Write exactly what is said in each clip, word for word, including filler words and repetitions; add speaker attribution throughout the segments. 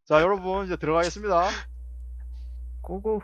Speaker 1: 자 여러분 이제 들어가겠습니다.
Speaker 2: 고고.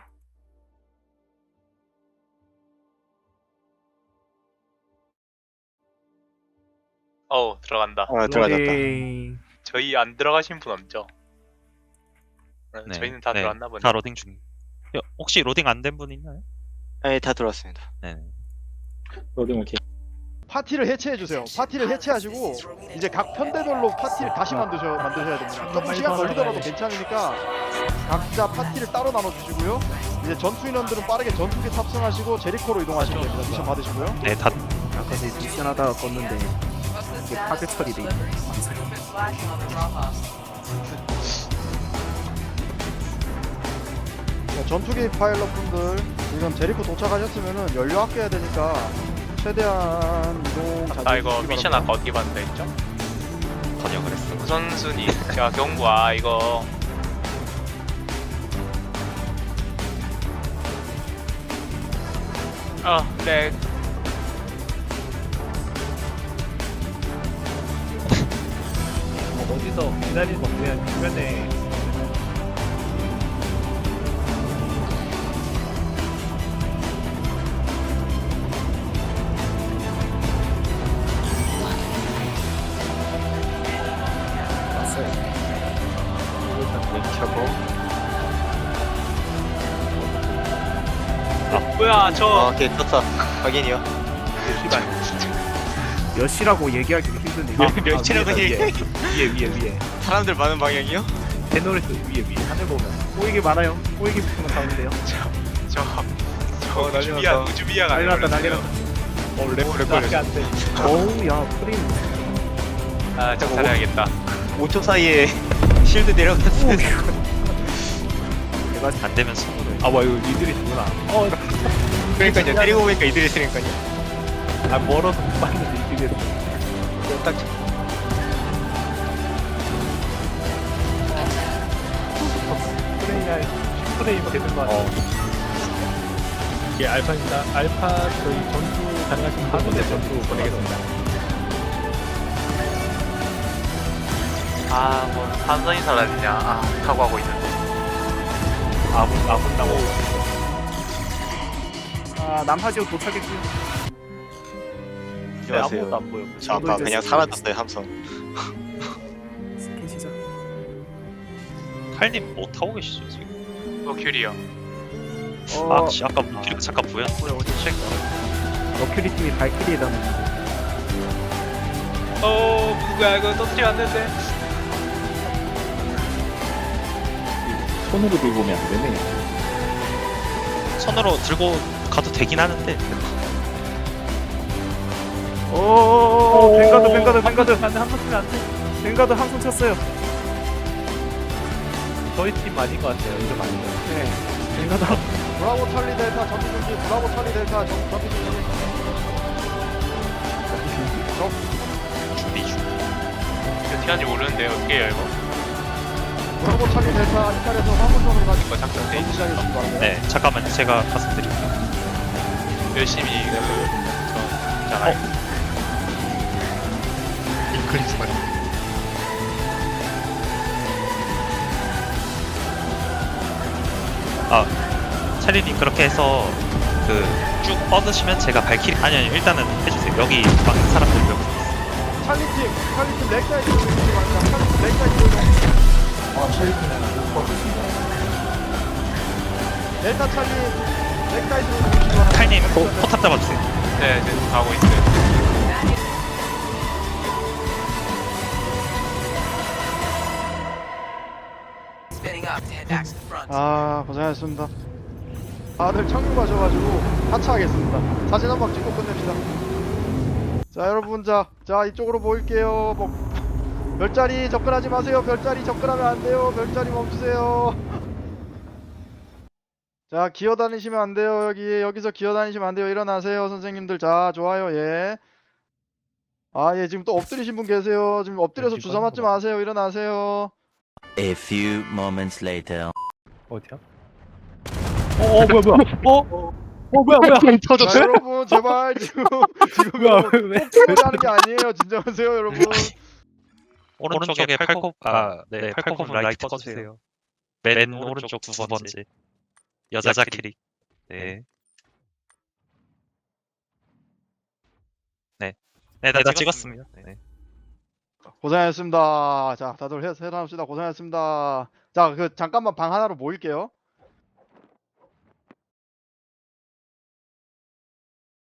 Speaker 3: 어우 들어간다.
Speaker 4: 아 들어갔다.
Speaker 2: 로딩.
Speaker 3: 저희 안 들어가신 분 없죠? 네,
Speaker 5: 네,
Speaker 3: 저희는 다
Speaker 5: 네,
Speaker 3: 들어왔나 보네.
Speaker 5: 다 로딩 중. 여, 혹시 로딩 안 된 분 있나요?
Speaker 4: 네, 다 들어왔습니다.
Speaker 5: 네.
Speaker 6: 로딩 오케이.
Speaker 1: 파티를 해체해 주세요. 파티를 해체하시고 이제 각 편대별로 파티를 다시 만드셔 만드셔야 됩니다. 조금 시간 걸리더라도 괜찮으니까 각자 파티를 따로 나눠 주시고요. 이제 전투 인원들은 빠르게 전투기 탑승하시고 제리코로 이동하시면 됩니다. 미션 받으시고요.
Speaker 5: 네, 다
Speaker 2: 아까 근데 미션 하다가 껐는데 이게 파괴 처리돼 있네.
Speaker 1: 자, 전투기 파일럿 분들 지금 제리코 도착하셨으면은 연료 아껴야 되니까 최대한 이동 자제해
Speaker 3: 아 이거
Speaker 1: 주시기
Speaker 3: 미션
Speaker 1: 바랍니다.
Speaker 3: 아까 어떻게 받는다 했죠?
Speaker 5: 번역을 했어.
Speaker 3: 우선순위 자 경고 아 이거 아 렉.
Speaker 2: 어디서 기다리고 그냥 주변에 왔어요.
Speaker 4: 켜고.
Speaker 3: 뭐야 저
Speaker 4: 아, 오케이 떴다. 확인이요.
Speaker 2: 몇 시라고 얘기하기 힘드네.
Speaker 3: 아, 몇 시라고
Speaker 2: 위에다,
Speaker 3: 얘기해?
Speaker 2: 위에 위에 위에.
Speaker 4: 사람들 많은 방향이요?
Speaker 2: 대노레스 위에 위에 하늘 보면 꼬이기 많아요. 꼬이기 붙으면 가운데요.
Speaker 3: 저, 저
Speaker 4: 어, 난리
Speaker 3: 우주비야
Speaker 4: 났다.
Speaker 3: 우주비야가
Speaker 2: 난리 났다, 난리
Speaker 3: 되버렸어요.
Speaker 2: 났다.
Speaker 4: 어, 렉, 렉 걸렸어.
Speaker 2: 어우 야 프레임.
Speaker 3: 아 정찰해야겠다.
Speaker 4: 오 초 사이에 실드 내려갔어요.
Speaker 2: 내가
Speaker 5: 안 되면 손으로.
Speaker 2: 아 와 이거 니들이 누구나. 어,
Speaker 4: 그러니까요. 때리고 보니까 이들이 있으니까요.
Speaker 2: 아 멀어서 못 봤는데 이들이.
Speaker 4: 딱
Speaker 2: 프레임이 프레임 되는 거 같아. 이게 알파입니다. 알파 저희 전투 가능하신 분들 전투 보내겠습니다.
Speaker 3: 아뭐 한선이 사라지냐 아 각오하고 있는데.
Speaker 2: 아군 아군 나오. 아 남하지역 도착했고요. 네, 아무것도
Speaker 4: 안녕하세요.
Speaker 2: 안 보여.
Speaker 4: 저 아까 그냥 사라졌어요 함성.
Speaker 2: 스킨 시작.
Speaker 5: 칼님 뭐 타고 계시죠 지금?
Speaker 3: 머큐리요.
Speaker 2: 어,
Speaker 5: 아, 씨, 아까 뭐 길- 잠깐 보여.
Speaker 2: 뭐야 어디 책? 머큐리 팀이 발키리에 담는.
Speaker 3: 어 누구야 이거 터뜨리면 안 되는데.
Speaker 6: 손으로 들고 오면 안 되네.
Speaker 5: 손으로 들고 가도 되긴 하는데.
Speaker 2: 오, 뱅가드 뱅가드 뱅가드 안돼 한번 쓰면 안돼. 뱅가드 항상 쳤어요. 저희 팀 아닌 것 같아요. 이름 아닌 것 같아요. 네. 뱅가드
Speaker 1: 브라보 찰리 델타 전투 중지. 브라보 찰리 델타 전- 전투 중지.
Speaker 5: 준비 중.
Speaker 3: 어떻게 하는지 모르는데 어떻게 해요 이거?
Speaker 1: 브라보 찰리 델타 이탈에서 화물선으로 가지고
Speaker 3: 이거 작전 돼
Speaker 1: 전투 시작해 주시기 바랍니다.
Speaker 5: 네, 잠깐만 제가 가서 드릴게요.
Speaker 3: 열심히 그 저잖아요.
Speaker 4: 링크리스 말이.
Speaker 5: 아, 차리님 그렇게 해서 그 쭉 뻗으시면 제가 발키리 아니 아니 일단은 해주세요. 여기 막는 사람들 몇 분 있어요.
Speaker 1: 찰리 팀, 찰리 팀 렉사이드 이동해주시기 바랍니다. 찰리 팀 렉사이드 이동.
Speaker 6: 아, 쉐이크는 못 봤습니다.
Speaker 1: 델타 찰리 렉사이드로 이동해주시기 바랍니다.
Speaker 5: 칼님 포, 포탑 잡아주세요.
Speaker 3: 네, 네 가고 있어요.
Speaker 1: 아 고생하셨습니다. 다들 청유 가셔가지고 하차하겠습니다. 사진 한 방 찍고 끝냅시다. 자 여러분 자, 자 이쪽으로 모일게요. 뭐, 별자리 접근하지 마세요. 별자리 접근하면 안 돼요. 별자리 멈추세요. 자 기어 다니시면 안 돼요. 여기 여기서 기어 다니시면 안 돼요. 일어나세요 선생님들. 자 좋아요. 예. 아 예 지금 또 엎드리신 분 계세요. 지금 엎드려서 주사 맞지 마세요. 일어나세요.
Speaker 7: A few moments later.
Speaker 2: 어디야? 어, 어 뭐야 뭐야? 어? 어 뭐야 뭐야?
Speaker 1: 자 여러분 제발 지금 지금
Speaker 2: 뭐야 왜? 왜?
Speaker 1: 폭행을 하는 게 아니에요. 진정하세요 여러분.
Speaker 5: 오른쪽에 팔코 아네 팔코분 라이트 꺼주세요. 맨 오른쪽 두 번째 여자 캐릭. 네. 네. 네, 다 찍었습니다. 네.
Speaker 1: 고생하셨습니다. 자, 다들 해, 해당합시다. 고생하셨습니다. 자, 그 잠깐만 방 하나로 모일게요.